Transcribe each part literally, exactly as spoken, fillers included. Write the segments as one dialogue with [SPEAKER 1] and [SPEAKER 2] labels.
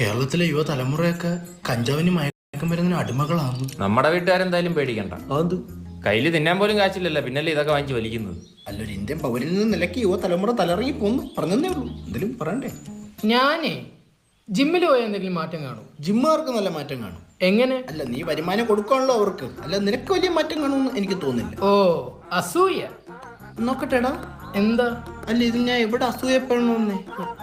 [SPEAKER 1] കേരളത്തിലെ യുവതലമുറയൊക്കെ കഞ്ചാവിന് മയക്കം വരുന്നതിന് അടിമകളാണ്.
[SPEAKER 2] നമ്മുടെ വീട്ടുകാരെന്തായാലും പേടിക്കണ്ട.
[SPEAKER 1] അത്
[SPEAKER 2] കയ്യിൽ തിന്നാൻ പോലും കാശില്ലല്ലോ, പിന്നല്ലേ ഇതൊക്കെ വാങ്ങിച്ച് വലിക്കുന്നത്.
[SPEAKER 1] അല്ലൊരു ഇന്ത്യൻ പൗരനിൽ നിന്ന് നിലയ്ക്ക് യുവതലമുറ തലറങ്ങി പോന്നു പറഞ്ഞതേ ഉള്ളൂ. എന്തെങ്കിലും പറയണ്ടേ?
[SPEAKER 3] ഞാനേ ജിമ്മിൽ പോയ എന്തെങ്കിലും മാറ്റം കാണും?
[SPEAKER 1] ജിമ്മുകാർക്ക് നല്ല മാറ്റം കാണും.
[SPEAKER 3] എങ്ങനെ?
[SPEAKER 1] അല്ല, നീ വരുമാനം കൊടുക്കാണല്ലോ അവർക്ക്. അല്ല, നിനക്ക് വലിയ മാറ്റം കാണുമെന്ന് എനിക്ക് തോന്നുന്നില്ല.
[SPEAKER 3] ഓ, അസൂയ.
[SPEAKER 1] നോക്കട്ടെടാ.
[SPEAKER 3] എന്താ?
[SPEAKER 1] അല്ല, ഇത് ഞാൻ എവിടെ അസൂയപ്പെടണമെന്നേ?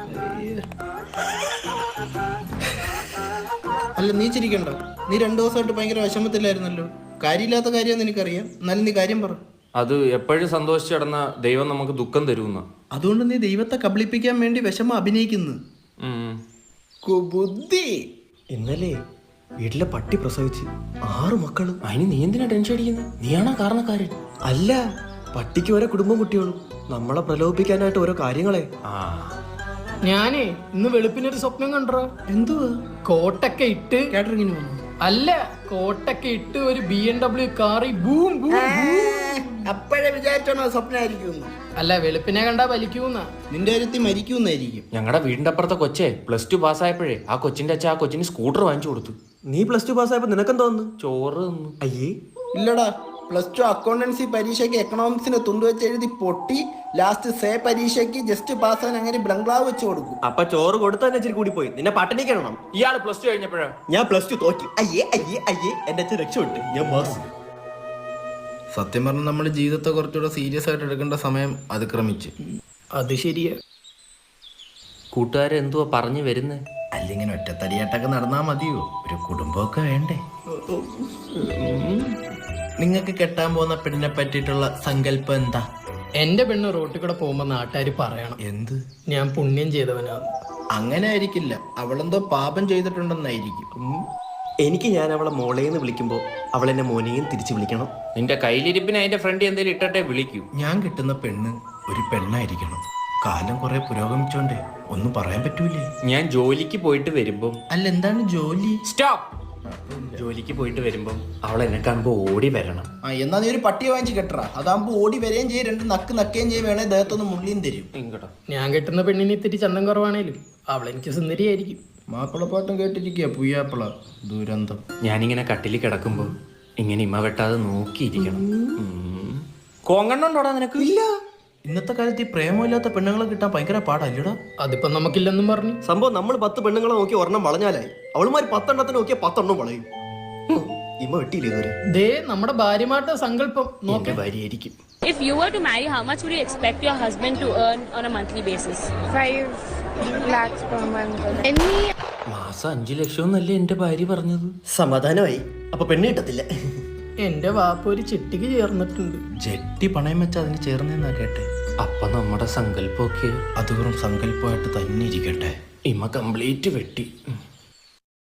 [SPEAKER 1] അല്ല, നീ ചിരിക്കണ്ട. നീ രണ്ടു ദിവസമായിട്ട് ഭയങ്കര വിഷമത്തിലായിരുന്നല്ലോ. കാര്യമില്ലാത്ത കാര്യമെന്ന് എനിക്കറിയാം. എന്നാലും നീ കാര്യം പറ.
[SPEAKER 2] അത് എപ്പോഴും സന്തോഷിച്ചു കിടന്ന ദൈവം നമുക്ക് ദുഃഖം തരുമെന്ന.
[SPEAKER 1] അതുകൊണ്ട് നീ ദൈവത്തെ കബളിപ്പിക്കാൻ വേണ്ടി വിഷമം അഭിനയിക്കുന്നു. ബുദ്ധി.
[SPEAKER 4] ഇന്നലെ വീട്ടിലെ പട്ടി പ്രസവിച്ച് ആറ് മക്കള്.
[SPEAKER 2] അതിന് നീ എന്തിനാ ടെൻഷൻ അടിക്കുന്നത്? നീയാണോ കാരണക്കാരൻ?
[SPEAKER 4] അല്ല, പട്ടിക്ക് ഓരോ കുടുംബം കുട്ടികളും. നമ്മളെ പ്രലോഭിപ്പിക്കാനായിട്ട് ഓരോ കാര്യങ്ങളെ.
[SPEAKER 2] ആ,
[SPEAKER 3] ഞാനേ ഇന്ന് വെളുപ്പിനൊരു സ്വപ്നം കണ്ടോ.
[SPEAKER 1] എന്തുവാ?
[SPEAKER 3] കോട്ടൊക്കെ ഇട്ട്
[SPEAKER 1] കാറ്ററിങ്ങിന് വന്നു.
[SPEAKER 3] അല്ല, കോട്ടൊക്കെ ഇട്ട് ഒരു ബി എം ഡബ്ല്യു കാറി ബൂം ബൂം.
[SPEAKER 1] അപ്പോഴേ വിചാരിച്ചോണോ സ്വപ്നമായിരിക്കും?
[SPEAKER 3] അല്ല, വെളുപ്പിനെ കണ്ടാ വലിക്കൂന്ന.
[SPEAKER 1] നിന്റെ കാര്യത്തിൽ മരിക്കുന്നായിരിക്കും.
[SPEAKER 2] ഞങ്ങളുടെ വീടിന്റെ അപ്പുറത്തെ കൊച്ചേ പ്ലസ് ടു പാസ്സായപ്പോഴേ ആ കൊച്ചിന്റെ അച്ഛൻ ആ കൊച്ചിന് സ്കൂട്ടർ വാങ്ങിച്ചു കൊടുത്തു.
[SPEAKER 4] നീ പ്ലസ് ടു പാസ്സായപ്പോ നിനക്കെന്താ തോന്നുന്നു?
[SPEAKER 2] ചോറ് തന്നു.
[SPEAKER 4] അയ്യേ,
[SPEAKER 1] ഇല്ലടാ, പ്ലസ് ടു അക്കൗണ്ടൻസി പരീക്ഷയ്ക്ക് എക്കണോമിക്സിന് തുണ്ട് വെച്ച് എഴുതി പൊട്ടി ലാസ്റ്റ് സേ പരീക്ഷയ്ക്ക് ജസ്റ്റ് പാസ്സാൻ അങ്ങനെ ബംഗ്ലാവ് വെച്ച് കൊടുക്കും.
[SPEAKER 4] അപ്പൊ ചോറ് കൊടുത്താൽ ഇച്ചിരി കൂടി പോയി. നിന്നെ പട്ടിണിക്കണം.
[SPEAKER 2] ഇയാള് പ്ലസ് ടു കഴിഞ്ഞപ്പോഴാ?
[SPEAKER 4] ഞാൻ പ്ലസ് ടു തോറ്റി. അയ്യേ അയ്യേ അയ്യേ, എന്റെ അച്ഛൻ രക്ഷപ്പെട്ടു. ഞാൻ പാസ്.
[SPEAKER 1] സത്യം പറഞ്ഞാൽ നമ്മുടെ ജീവിതത്തെ കുറച്ചുകൂടെ സീരിയസ് ആയിട്ട് എടുക്കേണ്ട സമയം അതിക്രമിച്ച്.
[SPEAKER 3] അത് ശരിയാ.
[SPEAKER 2] കൂട്ടുകാരെന്തുവാ പറഞ്ഞു വരുന്നേ?
[SPEAKER 1] അല്ലെങ്കിൽ ഒറ്റത്തടിയായിട്ടൊക്കെ നടന്നാ മതിയോ? ഒരു കുടുംബമൊക്കെ വേണ്ടേ? നിങ്ങൾക്ക് കെട്ടാൻ പോകുന്ന പെണ്ണിനെ പറ്റിയിട്ടുള്ള സങ്കല്പം എന്താ?
[SPEAKER 3] എന്റെ പെണ്ണ് റോട്ടിൽ കൂടെ പോകുമ്പോ നാട്ടുകാര് പറയണം
[SPEAKER 1] എന്ത്?
[SPEAKER 3] ഞാൻ പുണ്യം ചെയ്തവനാണ്.
[SPEAKER 1] അങ്ങനെ ആയിരിക്കില്ല, അവളെന്തോ പാപം ചെയ്തിട്ടുണ്ടെന്നായിരിക്കും.
[SPEAKER 4] എനിക്ക് ഞാൻ അവളെ മോളേന്ന് വിളിക്കുമ്പോ അവൾ എന്നെ മോനെയും തിരിച്ചു വിളിക്കണം.
[SPEAKER 2] നിന്റെ കയ്യിലിരിപ്പിന് അതിന്റെ ഫ്രണ്ട് എന്തേലും ഇട്ടട്ടെ വിളിക്കൂ.
[SPEAKER 1] ഞാൻ കിട്ടുന്ന പെണ്ണ് ഒരു പെണ്ണായിരിക്കണം. കാലം കുറെ പുരോഗമിച്ചോണ്ടേ ഒന്നും പറയാൻ പറ്റൂലേ.
[SPEAKER 2] ഞാൻ ജോലിക്ക് പോയിട്ട് വരുമ്പം.
[SPEAKER 1] അല്ല, എന്താണ് ജോലി?
[SPEAKER 2] സ്റ്റോപ്പ്. ജോലിക്ക് പോയിട്ട് വരുമ്പം അവൾ എന്നെ കാണുമ്പോ ഓടി വരണം.
[SPEAKER 1] ആ, എന്നാ നീ ഒരു പട്ടിയെ വാങ്ങിച്ച് കെട്ടറ. അതാകുമ്പോ ഓടി വരെയും ചെയ്യും, രണ്ട് നക്ക് നക്കുകയും ചെയ്യും, വേണേ ദേഹത്തൊന്ന് മുള്ളിയും തരും.
[SPEAKER 2] ഇങ്ങോട്ടോ.
[SPEAKER 3] ഞാൻ കെട്ടുന്ന പെണ്ണിന് ഇത്തിരി ചന്തം കുറവാണേലും അവളെനിക്ക് സുന്ദരിയായിരിക്കും.
[SPEAKER 1] മാപ്പിളപ്പാട്ടും കേട്ടിരിക്കുക പുയ്യാപ്പിള ദുരന്തം.
[SPEAKER 2] ഞാനിങ്ങനെ കട്ടിലിൽ കിടക്കുമ്പോ ഇങ്ങനെ ഇമ്മ വെട്ടാതെ നോക്കിയിരിക്കണം. കോങ്കണ്ണോടാ നിനക്ക്?
[SPEAKER 1] ഇല്ല, ഇന്നത്തെ കാലത്ത് ഈ പ്രേമമില്ലാത്ത പെണ്ണുങ്ങളെ കിട്ടാൻ ഭയങ്കര പാടല്ലടാ.
[SPEAKER 3] അതിപ്പോ നമുക്കില്ലെന്നും പറഞ്ഞു.
[SPEAKER 4] സംഭവം നമ്മൾ പത്ത് പെണ്ണുങ്ങളെ നോക്കി ഒരെണ്ണം വളഞ്ഞാലായി. അവളുമാര് പത്തെണ്ണത്തിന് നോക്കിയാൽ പത്തെണ്ണം വളയും. ഇമ്മ വെട്ടിയില്ലേ ഇതുവരെ?
[SPEAKER 3] ദേ നമ്മുടെ ഭാര്യമാരുടെ സങ്കല്പം നോക്കി.
[SPEAKER 1] ഭാര്യയായിരിക്കും.
[SPEAKER 5] If you were to marry, how much would you expect your husband to earn on a monthly basis?
[SPEAKER 6] Five lakhs per month. Any
[SPEAKER 2] മാസം അഞ്ചു ലക്ഷം എന്നല്ലേ എന്റെ ഭാര്യ പറഞ്ഞത്?
[SPEAKER 4] സമാധാനമായി. അപ്പൊ പെണ്ണ് കിട്ടത്തില്ല.
[SPEAKER 3] എന്റെ വാപ്പ ഒരു ചിട്ടിക്ക് ചേർന്നിട്ടുണ്ട്.
[SPEAKER 1] ജെട്ടി പണയം വെച്ച് അതിന് ചേർന്നെന്നാ കേട്ടെ.
[SPEAKER 2] അപ്പൊ നമ്മുടെ സങ്കല്പമൊക്കെ
[SPEAKER 1] അത് വെറും സങ്കല്പമായിട്ട് തന്നെ ഇരിക്കട്ടെ.
[SPEAKER 2] ഇമ്മ കംപ്ലീറ്റ് വെട്ടി.